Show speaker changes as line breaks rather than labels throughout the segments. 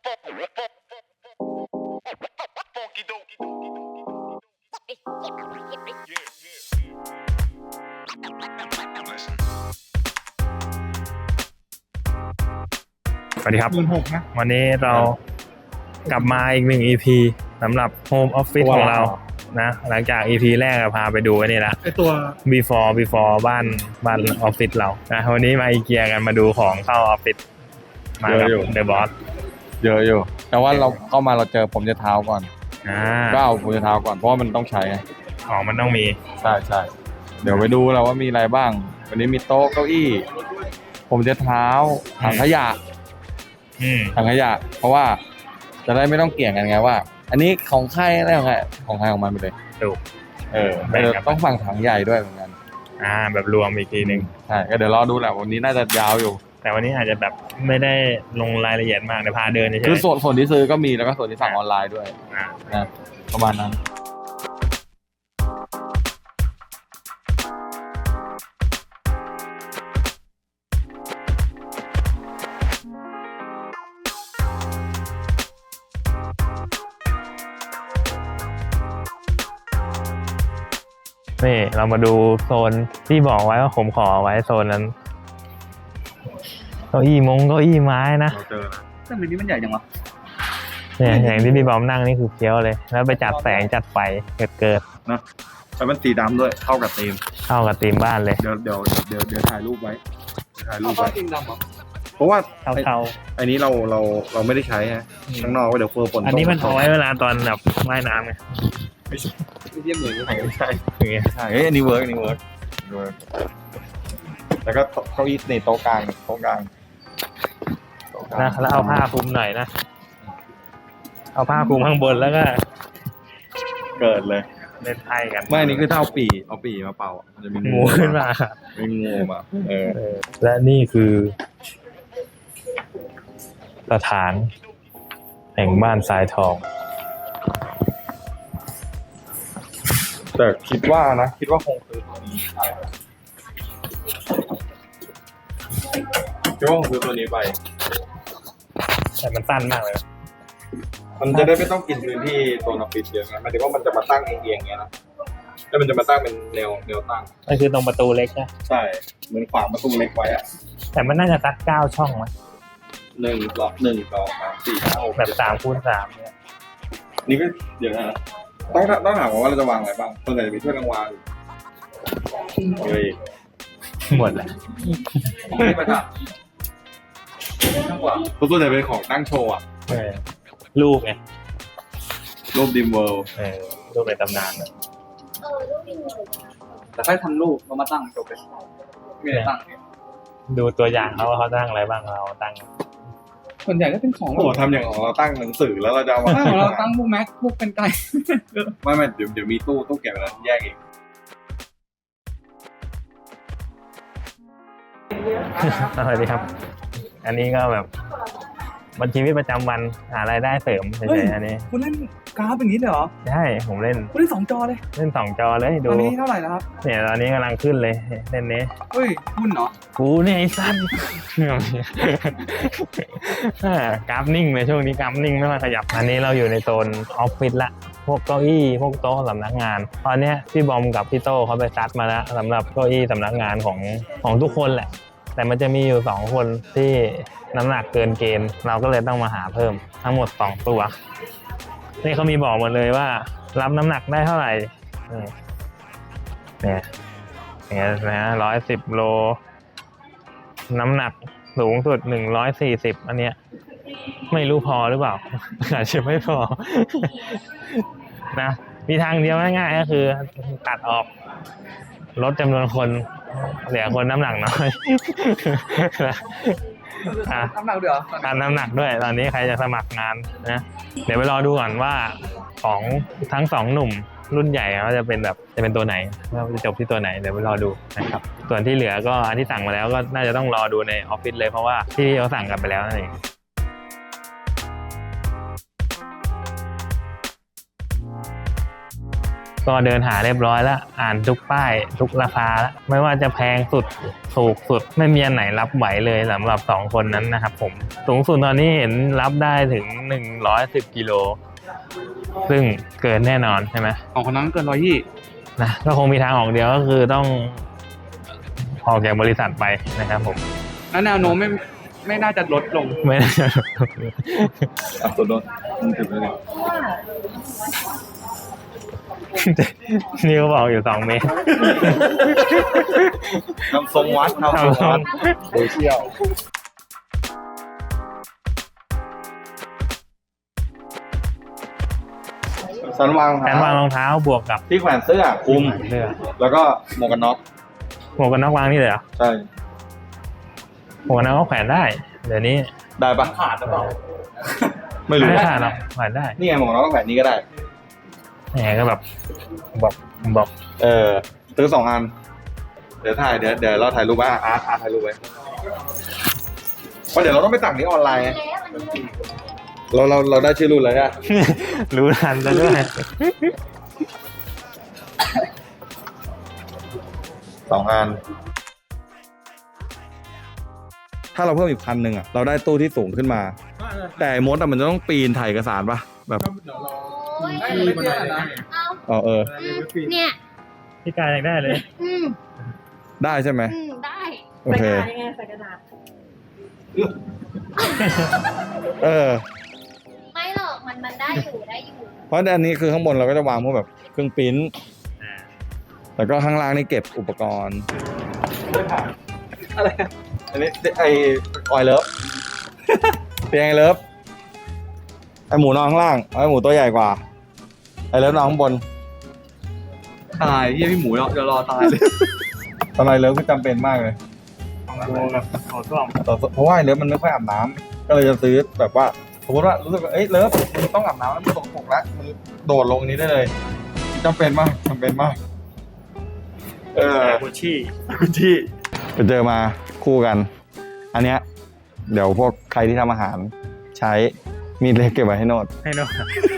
สวัสดีครับ
16,000 นะ
วันนี้เรากลับมาอีก1 EP สำหรับ Home Office ของเรานะหลังจาก EP แรกพาไปดูไอ้นี่ละ
ไอตัว
before บ้านออฟฟิศเรานะวันนี้มาอีเกียกันมาดูของเข้าออฟฟิศมากับ The Boss
เยอะอยู่แต่ว่าเราเข้ามาเราเจอผมจะเท้าก่อน ก็เอาผมจะเท้าก่อนเพราะว่ามันต้องใช้ไง
ของมันต้องมี
ใช่เดี๋ยวไปดูเราว่ามีอะไรบ้าง วันนี้มีโต๊ะเก้าอี้ผมจะเท้าถังขยะถังขยะเพราะว่าจะได้ไม่ต้องเกี่ยงกันไงว่า อันนี้ของใครอะไรของใครของมันไปเลย
ถูก
ต้องฟังถังใหญ่ด้วยเหมือนกัน
แบบรวมอีกทีหนึ่ง
ใช่ก็เดี๋ยวรอดูแหละวันนี้น่าจะยาวอยู่
แต่วันนี้อาจจะแบบไม่ได้ลงรายละเอียดมากแต่พาเดินเฉยๆ
คือส่วนที่ซื้อก็มีแล้วก็ส่วนที่สั่งออนไลน์ด้วยนะประมาณนั้น
นี่เรามาดูโซนที่บอกไว้ว่าผมขอไว้โซนนั้นเก้าอี้ไม้นะ
เราเจอนะ
แต่เดี๋ยวนี้มันใหญ่จังวะ
เนี่ยอย่างที่พี่บอมนั่งนี่คือเฟี้ยวเลย แล้วไปจัดแสงจัดไฟเกิด
นะแต่มันสีดำด้วยเข้ากับธีม
เข้ากับธีมบ้านเลย
เดี๋ยวถ่ายรูปไว้ถ่ายรูป
ก็
ไว้
จริงดำเหรอ
เพราะว่า
เทา
อันนี้เราไม่ได้ใช้ฮะข้างนอกเดี๋ยวเฟอร์ฝน
ๆอันนี้มันเอาไว้เวลาตอนแบบว่ายน้ำไง
ไม่เทียบเหมือนกัน
ไม่ใช่
อย่างเงี้ย
ใช่อันนี้เวิร์กแล้วก็เก้าอี้ในโต๊ะกลาง
นะแล้วเอาผ้าคลุมหน่อยนะเอาผ้าคลุมข้างบนแล้วก็
เกิดเลย
เล่นไพ่กัน
ไม่อันนี้คือถ้าเอาปีมาเป่ามันจะมี
งูขึ้นมา
มีงูมา
และนี่คือสถานแห่งบ้านทรายทอง
แต่คิดว่าคงคือตัวนี้ไปคิดว่าคงคือตัวนี้ไป
แต่มันสั้นมากเลย
มันจะได้ไม่ต้องกินพื้นที่ตัวออฟฟิศเยอะไงหมายถึงว่ามันจะมาตั้งเอียงๆเงี้ยนะแล้วมันจะมาตั้งเป็นแนวตั้ง
นั่นคือตรงประตูเล็กนะ
ใช่เหมือนขวางประตูเล็กไว้อะ
แต่มันน่าจะสัก9 ช่องมั้ย
1 2 3 4 5 6
แบบ3x3เนี่ย
นี่ก็เดี๋ยวนะต้องถามว่าเราจะวางอะไรบ้างส่วนใหญ่จะมีถ้วยรางวัลเฮ้ย
หมดแหละ
ไม่ประทับส่วนใหญ่เป็นของตั้งโชว์อะ
รูปไง
รูปดิมเวิลด์
รูปในตำนานอะ
แต่ค่อยทำรูปเรามาตั้งจบไปไม่ได้ตั้งเนี่ย
ดูตัวอย่างเขาว่าเขาตั้งอะไรบ้างเราตั้ง
ส่วนใหญ่ก็เป็นของ
โอ้โหทำอย่างของเราตั้งหนังสือแล้วเราจะเอามา
ของเราตั้งพวกแม็กพวกเป็นไก่
ไม่เดี๋ยวมีตู้เก็บไว้แล้วแยกอีก
สวัสดีครับ อันนี้ก็แบบวันชีวิตประจำวันหารายได้เสริมเฉยๆอันนี้
คุณเล่นกราฟอย่างนี้เลยเหรอ
ใช่ผมเล่น
คุณเล่น2 จอเลย
2 จอเลยดู
ตอนนี้เท่าไหร่แล้วครับ
เนี่ยตอนนี้กำลังขึ้นเลยเล่นนี้
เฮ้ยหุ้นเหรอ
กูเนี่ยไอ้สั้น กราฟนิ่งเลยช่วงนี้กราฟนิ่งไม่มาขยับอันนี้เราอยู่ในโซนออฟฟิศละพวกเก้าอี้พวกโต๊ะสำนักงานตอนเนี้ยพี่บอมกับพี่โต้เขาไปซัดมาแล้วสำหรับเก้าอี้สำนักงานของทุกคนแหละแต่มันจะมีอยู่2 คนที่น้ำหนักเกินเกณฑ์เราก็เลยต้องมาหาเพิ่มทั้งหมด2 ตัวนี่เขามีบอกหมดเลยว่ารับน้ำหนักได้เท่าไหร่เนี่ยนะ110 โลน้ำหนักสูงสุด140อันเนี้ยไม่รู้พอหรือเปล่า อาจจะไม่พอ นะมีทางเดียวง่ายๆก็คือตัดออกลดจำนวนคนเหลือคนน้ำหนักน้อย
น้ำหนักเดี๋ยว
การน้ำหนักด้วยตอนนี้ใครจะสมัครงานนะเดี๋ยวไปรอดูก่อนว่าของทั้ง2 หนุ่มรุ่นใหญ่เขาจะเป็นตัวไหนว่าจะจบที่ตัวไหนเดี๋ยวไปรอดูนะครับส่วนที่เหลือก็อันที่สั่งมาแล้วก็น่าจะต้องรอดูในออฟฟิศเลยเพราะว่าที่เขาสั่งกันไปแล้วนั่นเองก็เดินหาเรียบร้อยแล้วอ่านทุกป้ายทุกราคาแล้วไม่ว่าจะแพงสุดถูกสุดไม่มีอันไหนรับไหวเลยสำหรับ2คนนั้นนะครับผมสูงสุดตอนนี้เห็นรับได้ถึง110 กิโลซึ่งเกินแน่นอนใช่ไหม
ของคนนั้นเกิน120
นะก็คงมีทางออกเดียวก็คือต้องออกจากบริษัทไปนะครับผม
แล้วแนวโน้มไม่น่าจะลดลง
ไม่ได้จะ
ตัวโดนมึงถึงเลย
นี่เขาบอกอยู่2 เมตร
ทำทรงวัดทำทรงวัดโซเชียลสันวาง
แขนวางรองเท้าบวกกับ
ที่แขวนเสื้อคลุม
เสื้อ
แล้วก็หมวกกันน็อก
หมวกกันน็อกวางนี่เลยเหรอ
ใช่
หมวกกันน็อกก็แขวนได้เดี๋ยวนี้
ได้ปะ
ขาดหรือเปล่า
ไม่รู้
ไม่ขาดหรอกแขวนได้
นี่ไงหมวกกันน็อกก็แขวนนี้ก็ได้
แหมก็แบบบอก
ซื้อ2 อันเดี๋ยวเราถ่ายรูปไว้อาร์ตถ่ายรูปไว้เพราะเดี๋ยวเราต้องไปสั่งนี้ออนไลน์เราได้ชื่อรุ่นแล้วเนี่ย
รู้ทันแล้วด้วย
2 อันถ้าเราเพิ่มอีก1,000อ่ะเราได้ตู้ที่สูงขึ้นมา แต่มดมันจะต้องปีนถ่ายเอกสารปะแบบ
โอ้ย
อ๋อ
เนี่ย
พี่กายอยากได้เลย
ได้ใช่ไหม
ได้
โอเค
ยังไงใส่กระดาษ
ไม่หรอกมันได้อยู่
เพราะอันนี้คือข้างบนเราก็จะวางพวกแบบเครื่องปริ้นแล้วก็ข้างล่างนี่เก็บอุปกรณ์อะไรอันนี้ไอออยเลิฟเตียงไอเลิฟไอหมูนอนข้างล่างไอหมูตัวใหญ่กว่าไอเลิฟนอนข้างบน
ตายเยี่ยพี่หมูเดี๋ยวรอตายเลย
ตอนไอเลิฟก็จำเป็นมากเลย
ขอซ่อม
เพราะว่าไอเลิฟมันไม่ค่อยอาบน้ำก็เลยจะซื้อแบบว่าสมมติว่ารู้สึกว่าเลิฟมึงต้องอาบน้ำแล้วมึงตกปรกแล้วมึงโดดลงนี้ได้เลยจำเป็นมาก
กุชชี่
ไปเจอมาคู่กัน อันเนี้ยเดี๋ยวพวกใครที่ทำอาหารใช้มีดเล็กเก็บไว้ให้โนด
ให้โน่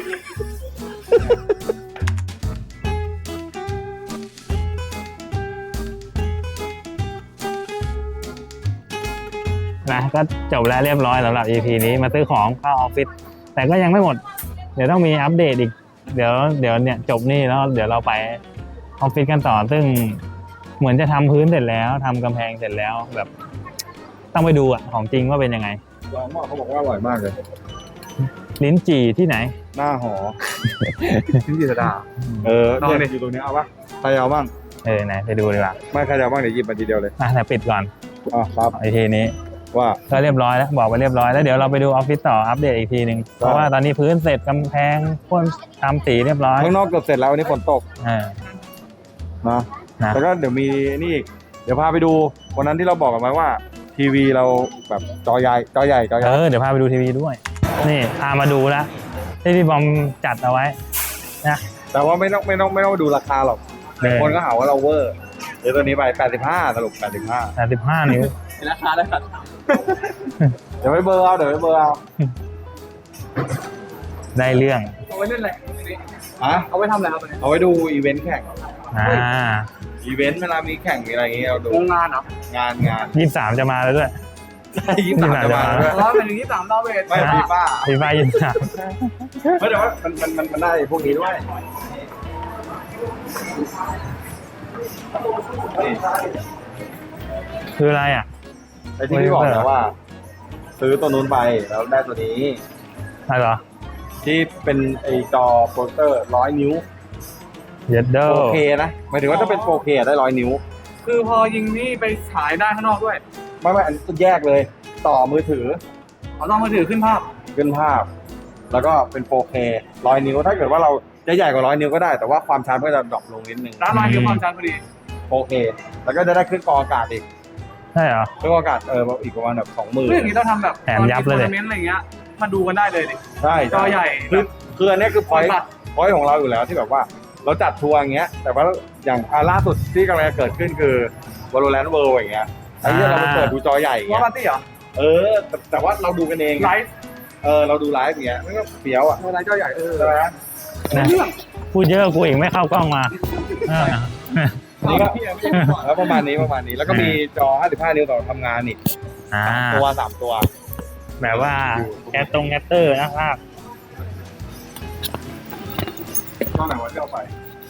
นะก็จบแล้วเรียบร้อยสำหรับ EP นี้มาซื้อของเข้าออฟฟิศแต่ก็ยังไม่หมด เดี๋ยวต้องมีอัปเดตอีก เดี๋ยวเนี่ยจบนี่แล้วเดี๋ยวเราไปออฟฟิศกันต่อซึ่งเหมือนจะทำพื้นเสร็จแล้วทำกำแพงเสร็จแล้วแบบ ต้องไปดูอ่ะของจริงว่าเป็นยังไง
ลองว่าเขาบอกว่าอร่อยมากเลย
ลิ้นจี่ที่ไหน
หน้าหอ
พี่จิตรดา
ลองเนี่ยอยู่ตรงนี้เอาปะใครเอาบ้าง
ไหนไปดูดีกว่า
ไม่ใครเอาบ้างเดี๋ยวหยิบมาทีเดียวเลย
แต่ปิดก่อน
ครับ
ไอทีนี้
ว่า
ก็เรียบร้อยแล้วบอกไปเรียบร้อยแล้วเดี๋ยวเราไปดูออฟฟิศต่ออัปเดตอีกทีหนึ่งเพราะว่าตอนนี้พื้นเสร็จกำแพงพ่นทำสีเรียบร้อย
ข้างนอกเกือบเสร็จแล้ววันนี้ฝนตก
อ่า
นะ
นะ
แล้วก็เดี๋ยวมีนี่อีกเดี๋ยวพาไปดูวันนั้นที่เราบอกกันไว้ว่าทีวีเราแบบจอใหญ่
เดี๋ยวพาไปดูทีวีด้วยนี่พามาดูแล้วที่พี่บอมจัดเอาไว้นะ
แต่ว่าไม่ต้องดูราคาหรอกคนก็หาว่าเราเวอร์เดี๋ยวตัวนี้ไป85สรุป85
85 นิ้ว
ราคาได้ครับ
เดี๋ยวไปเบอร์เอา
ได้เรื่อง
เอาไว้เล่นอะไร
ฮะ
เอาไว้ทำอะไรครับ
เอาไว้ดูอีเวนต์แข่ง
23
อีเวนต์เวลามีแข่งมีอะไรอย่างเงี้ยเราดู
โรงงานเหรอง
าน
จะมาแล้วด้วย
23จะมาด้วย
เพราะเป็นอย่างนี้3ดาวเวท
ไม่ฟีฟ่า
23
ไม่แต่ว่ามันได้พวกนี้ด้วยนี่
คืออะไรอ่ะ
ไอ้ที่พี่บอกนะว่า ซื้อตัวนู้นไปแล้วได้ตัวนี้
อะไรเหรอ
ที่เป็นไอจอโปรเตอร์100 นิ้ว
เย็ดเดอร์
4K นะหมายถึงว่าถ้าเป็น 4K ได้100 นิ้ว
คือพอยิงนี่ไปฉายได้ข้างนอกด้วย
ไม่อันนี้แยกเลย ต่อมือถือ
เอาต้องมือถือขึ้นภาพ
ขึ้นภาพ แล้วก็เป็น 4K 100 นิ้ว ถ้าเกิดว่าเราจะใหญ่กว่า100 นิ้วก็ได้ แต่ว่าความชัดก็จะดรอปลงนิดนึง
ร้านลายคือความชันพอดี
4K แล้วก็จะได้ขึ้นกองอากาศอีก
ใช่เหรอ
ขึ้นกองอากาศอีกประมาณแบบ
เรื่องนี้เราทำแบบ
แถมยับเลย
ทัวร์นาเมนต์อะไรเงี้ยมาดูกันได้เลยดิ
ใช่
จอใหญ่
คืออันนี้คือพอยต์ของเราอยู่แล้วที่แบบว่า เราจัดทัวร์อย่างเงี้ย แต่ว่าอย่างล่าสุดที่กำลังจะเกิดขึ้นคือ Valorant World อย่างเงี้ยไอ้เนี่ยเราไปเปิดดูจอใหญ่อย่าง
ว่า
เงี้ย
ปาร์ตี้เหรอ
แต่ว่าเราดูกันเอง
ไลฟ์
เราดูไลฟ์อย่างเงี้ยมันก็เฟี้ยวอ่ะ
ไลฟ์จอใหญ่
ใช่ไหม
นะพูดเยอะกูอีกไม่เข้ากล้องมา
ไนี่ก็แล้วประมาณนี้แล้วก็มีจอ 55 นิ้วต่อทำงานอีก
อ่า
3 ตัว
แบบว่าแกตรงแกตเตอร์นะครับ
ตอนไหนวันที่เอาไป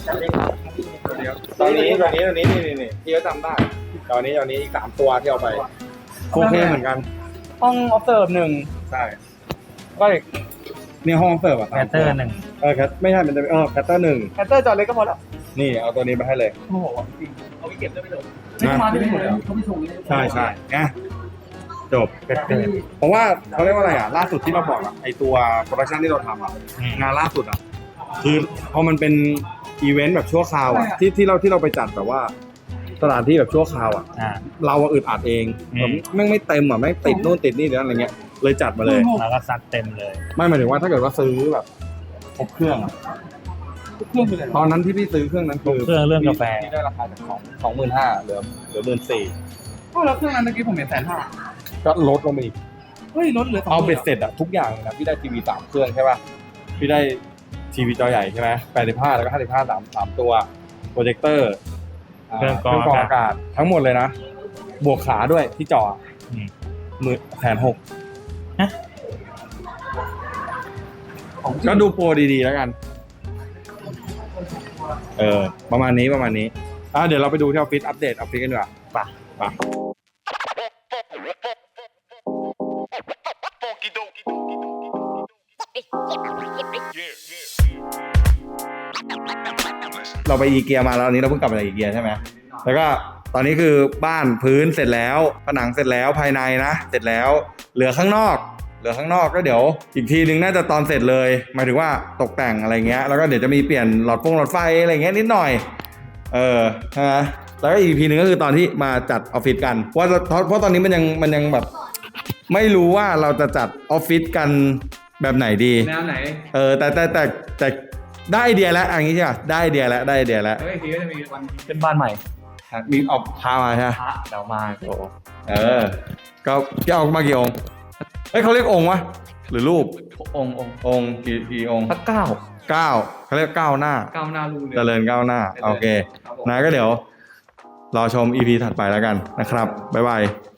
ตอนนี้นี่ที่เขาจำได้ตอนนี้อีก3 ตัวที่เอาไปโอเคเหมือนกัน
ห้องออฟเซิร์ฟหนึ่ง
ใช่ก็อีกนี่ห้องเสิร์ฟอ่ะ
แกตเตอร์หนึ่ง
ไม่ใช่มันจะแคตเตอร์
แคตเตอร์จอเล็กก็พอแล้ว
1นี่เอาตัวนี้ไปให้เลย
โอ้โหจริงเอาไปเก็บได้ไม่ถูกไม่มาที่นี่หมดเลยเขาไม่ส่งเลย
ใช่ไงจบ
แกตเตอร์
เพราะว่าเขาเรียกว่าอะไรอ่ะล่าสุดที่เราบอกอ่ะไอตัวโปรดักชันที่เราทำอ่ะ
อืม
งานล่าสุดอ่ะคือพอมันเป็นอีเวนต์แบบชั่วคราวอ่ะที่เราไปจัดแบบว่าสถานที่แบบชั่วคราวอ่ะ
อ่า
เราอะอึดอัดเอง
อืม
แบบแม่งไม่เต็มอ่ะแม่งติดนู่นติดนี่เดี๋ยวอะไรเงี้ยเลยจัดมาเลย
แล้วก็ซัดเต็มเลย
ไม่หมายถึงว่าถ้าเกิดว่าซื้อแบบครบเครื่องอะ
เครื่องคืออะไร
ตอนนั้นที่พี่ซื้อเครื่องนั้นคือ
เครื่องกาแฟ
พี่ได้ราคาจาก25,000เหลือ14,000
ก็แล้วเครื่องนั้นเมื่อกี้ผมเห็น150,000
ก็ลดลงไปอีก
เฮ้ยลดเหลือ
เอาเบ็ดเสร็จอะทุกอย่างเลยนะพี่ได้ทีวี3 เครื่องใช่ป่ะพี่ได้ทีวีจอใหญ่ใช่ไหม85แล้วก็55 3 ตัวโปรเจคเตอร์
เครื่องกรอง
อากาศทั้งหมดเลยนะ บวกขาด้วยที่จอ
อืม
1,600,000ก็ดูโปรดีๆแล้วกัน ประมาณนี้เดี๋ยวเราไปดูที่ออฟฟิศอัปเดตออฟฟิศกันดีกว่าไปเราไปอีเกียมาแล้วอันนี้เราเพิ่งกลับมาจากอีเกียใช่ไหมแล้วก็ตอนนี้คือบ้านพื้นเสร็จแล้วผนังเสร็จแล้วภายในนะเสร็จแล้วเหลือข้างนอกก็เดี๋ยวอีกทีนึงน่าจะตอนเสร็จเลยหมายถึงว่าตกแต่งอะไรเงี้ยแล้วก็เดี๋ยวจะมีเปลี่ยนหลอดไฟอะไรเงี้ยนิดหน่อยใช่ไหมแล้วก็อีกทีนึงก็คือตอนที่มาจัดออฟฟิศกันเพราะตอนนี้มันยังแบบไม่รู้ว่าเราจะจัดออฟฟิศกันแบบไหนดี
แนวไหน
แต่ได้ไอเดียแล้วอย่างนี้ใช่ป่ะได้ไอเดียแล้ว
เฮ้ยทีก็จะมีวันเป็นบ้านใหม่
มีออกพามาใช่ไหม
พระเดี๋ยวมาโอ้
ก็พี่เอามากี่องค์เฮ้ยเขาเรียกองค์วะหรือรูป
องค์
กี่องค์
พระเก้า
9เขาเรียก9 หน้า
ก้าวหน้าลูก
เจริญก้าวหน้าโอเคนะก็เดี๋ยวรอชม EP ถัดไปแล้วกันนะครับบ๊ายบาย